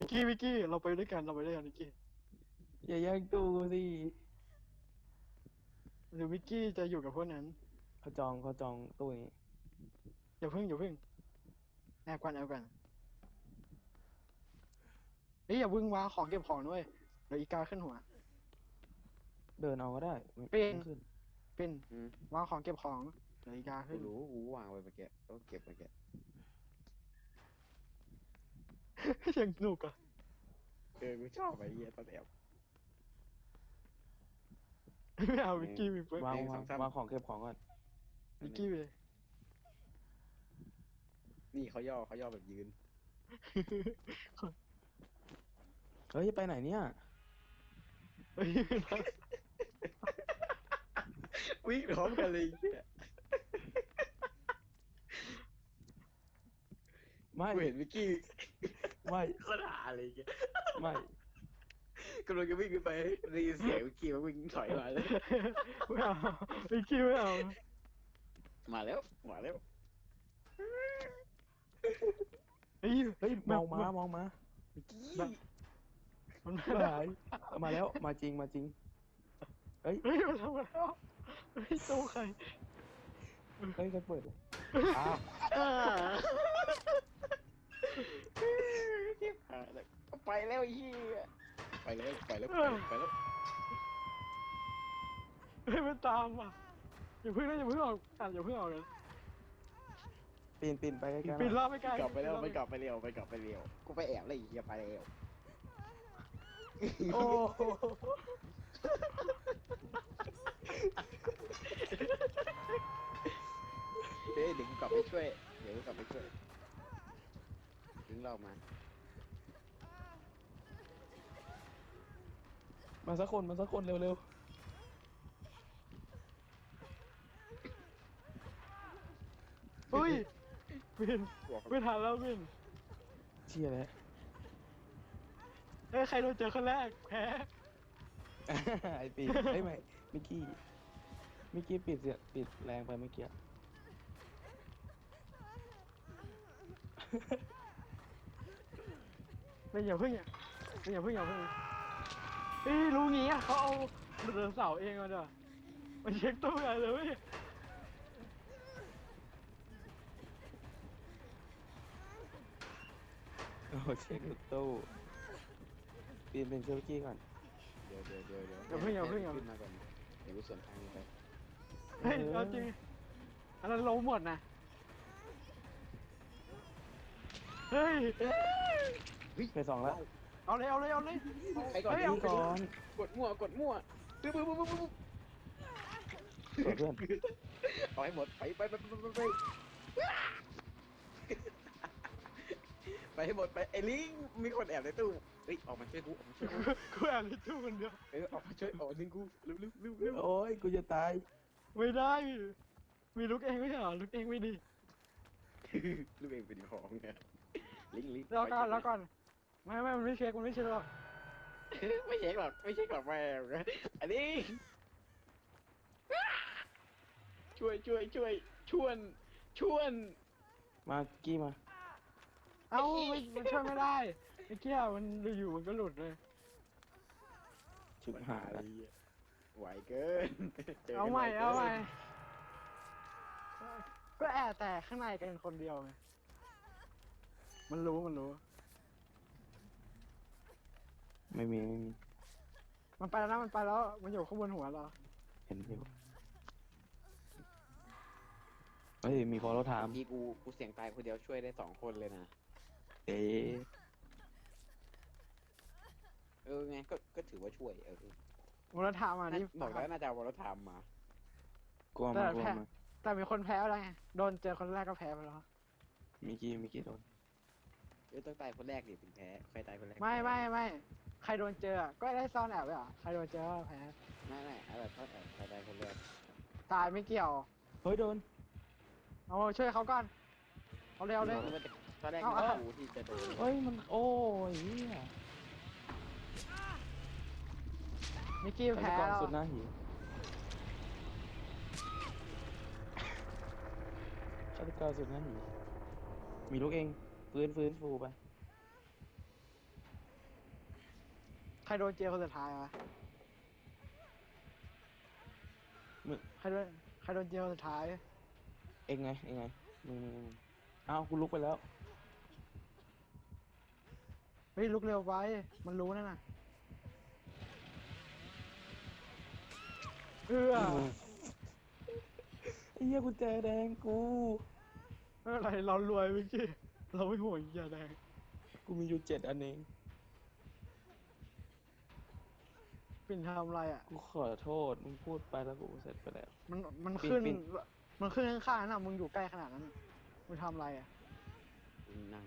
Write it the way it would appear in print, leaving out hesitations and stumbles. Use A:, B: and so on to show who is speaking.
A: วิกกี้เราไปด้วยกันวิกกี้
B: อย่าแย่งตู้กูสิ
A: หรือวิกกี้จะอยู่กับพวกนั้น
B: เขาจองตู้นี้
A: อย่าเพิ่งแอบก่อนเฮ้ยอย่าเพิ่งวางของเก็บของด้วยเดี๋ยวอีกาขึ้นหัว
B: เดินเอาก็ได้ไม่
A: เป็น
B: ต้องขึ้น
A: เป็น
C: อืม
A: วางของเก็บของเดี๋ยวอีกา
C: กู
A: ขึ้น
C: รู้กูวางไว้เมื่อกี้แล้วก็เก็บเมื่อกี้
A: ยังสนุกอ่ะ
C: กูชอบไอ้เหี้ยตอนแอบ
A: ไม่เอาวิกกี้มีเฟิร์ส
B: วาง
C: หนึ่ง
B: วา
C: สอง งสาม
B: วางของเก็บของก่อน
A: วิกกี้ไป
C: นี่เขาย่อแบบยืน
B: เฮ้ยไปไหนเนี่ย
A: เฮ้ย
C: วิ่งพร้อมกันเลยไอ้เหี้ย
B: ไม่
C: กูเห็นวิกกี้
B: ไม่
C: โคตรหาเลยไอ้เหี้ย
B: ไม่
C: กำลังจะวิ่งขึ้นไปได้ยินเสียงวิกกี้มันวิ่งถอยมาเลย
A: ไม่เอาวิกกี้ไม่เอา
C: มาแล้วมาแล้ว
A: เฮ้ย
B: เฮ้ยมองมา
C: วิกกี้
A: มัน
B: ไม่หายมาแล้วมาจริงเฮ้ย
A: เฮ้ยมันทำมาแล้วเฮ้ยตู้ใคร
B: เฮ้ยใครเปิดอ้าว
C: อ่าเก็บหาแล้วไปแล้วไอ้เหี้ยไปแล้วไปแล้ว
A: เฮ้ยมันตามอ่ะอย่าเพิ่งออกอย่าเพิ่งออกเลย
B: ปีนไปใกล้ๆ
A: ปีน
B: ห
A: ร
B: น่
A: อ
B: อบ
A: ไม่ไกล
C: กลับไปแล้วไปกลับไปเร็วกูไปแอบแล้วไอ้เหี้ยไปแล้ว
B: โอ้โห
C: เฮ้ยเดี๋ยวกูกลับไปช่วยดึงเรามา
B: มาสักคนเร็ว
A: เฮ้ยปีนไม่ทันแล้วปีน
B: เชี่ยแล้ว
A: เฮ้ยใครโดนเจอคนแรกแพ้
B: ไอปีนเฮ้ยไม่มิกกี้ปิดแรงไปเมื่อกี้
A: ไม่อย่าเพิ่งเฮ้ยรู้งี้อ่ะเขาเอาเดินเสาเองมาเด้อมาเช็คตู้ใหญ่เลยเว้ย
B: โอ้เช็คตู้ปีนเป็นเชลกี้ก่อน
C: เดี๋ยว
A: อย่าเพิ่ง
C: ขึ้นมาก่อนเดี๋ยวกูสวนทางไป
A: เฮ้ยเอาจริงอันนั้นล้มหมดนะเฮ้ย
B: ไปสองแล้ว
A: เอาเลย
C: ไปก่อน
A: เฮ้ย
B: นี่ก่อน
C: กดมั่วปึ๊บ
B: สวยเพื่อน
C: เอาให้หมดไปไปให้หมดไปไอ้ลิงมีคนแอบในตู้เฮ้ยออกมาช่วยกู
A: กูแอบในตู้คนเดียว
C: ออกมาช่วยออกดึงกูเร็ว
B: โอ้ยกูจะตาย
A: ไม่ได้มีลุกเองไม่ใช่เหรอลุกเองไม่ดี
C: ลูกเองเป็นของไงลิง
A: แล้วก่อนไม่มันไม่เช็คหรอก
C: ไม่เช็คหรอกแม่อันนี้ช่วยชวน
B: มากี้มา
A: เอ้ามันช่วยไม่ได้ไอ้เกี้ยมันอยู่มันก็หลุดเลย
B: ชุดหาแล้ว
C: ไหวเกิน
A: เอาใหม่ก็แอบแต่ข้างในกันคนเดียวไงมันรู้
B: ไม่มี
A: มันไปแล้วนะมันอยู่ข้างบนหัวเรา
B: เห็นอยู่เฮ้ยมีพอเราถาม
C: ที่กูเสี่ยงตายคนเดียวช่วยได้2 คนเลยนะ
B: เอ๊ะ
C: ไงก็ถือว่าช่วย
A: มูลธรรมอ่ะนี่
C: บอกแล้วน่าจะเอาวอลทามมา
B: กลัว
A: แต่
B: มา
A: แพ้แต่มีคนแพ้แล้วไงโดนเจอคนแรกก็แพ้ไปแล้ว
B: มิกี้โดน
C: ต้องตายคนแรกดิถึงแพ้ใครตายคนแรก
A: ไม่ใครโดนเจอก็ได้ซ่อนแอบไว้เหรอใครโดนเจอก็แพ้
C: ไม่เอาแบบทอดใครตายคนแรก
A: ตายไม่เกี่ยว
B: เฮ้ยโดน
A: เอาช่วยเขาก่อนเอาเร็วเลย
C: ตอนแรก
A: เอา
C: กูที่จะโดน
B: เฮ้ยมันโอ้ยเหี้ย
A: มิกกี้
B: ฆา
A: แพ้
B: ตกร
A: แล้ว
B: สุดหน้าหีฆาตกรสุดหน้าหีมีลูกเองฟื้นฟูไป
A: ใครโดนเจลคนสุดท้ายวะ
B: มึง
A: ใครโดนเจลคนสุดท้าย
B: เองไงมึงอ้าวกูลุกไปแล้ว
A: เฮ้ยลุกเร็วไปมันรู้นั่นน่ะเอื้อ
B: ไอ้เหี้ยกุญแจแดงกู
A: ไม่เป็นไรเรารวยเมื่อกี้เราไม่ห่วงยาแดง
B: กูมีอยู่7 อันเอง
A: ปิ่นทำอะไรอ่ะ
B: กูขอโทษ มึงพูดไปแล้วกูเสร็จไปแล้ว
A: มัน
B: ปิ่น
A: ขึ้น
B: ปิ่น
A: มันขึ้นข้างๆน่ะมึงอยู่ใกล้ขนาดนั้นน่ะมึงทำอะไรอ่ะ
C: นั่ง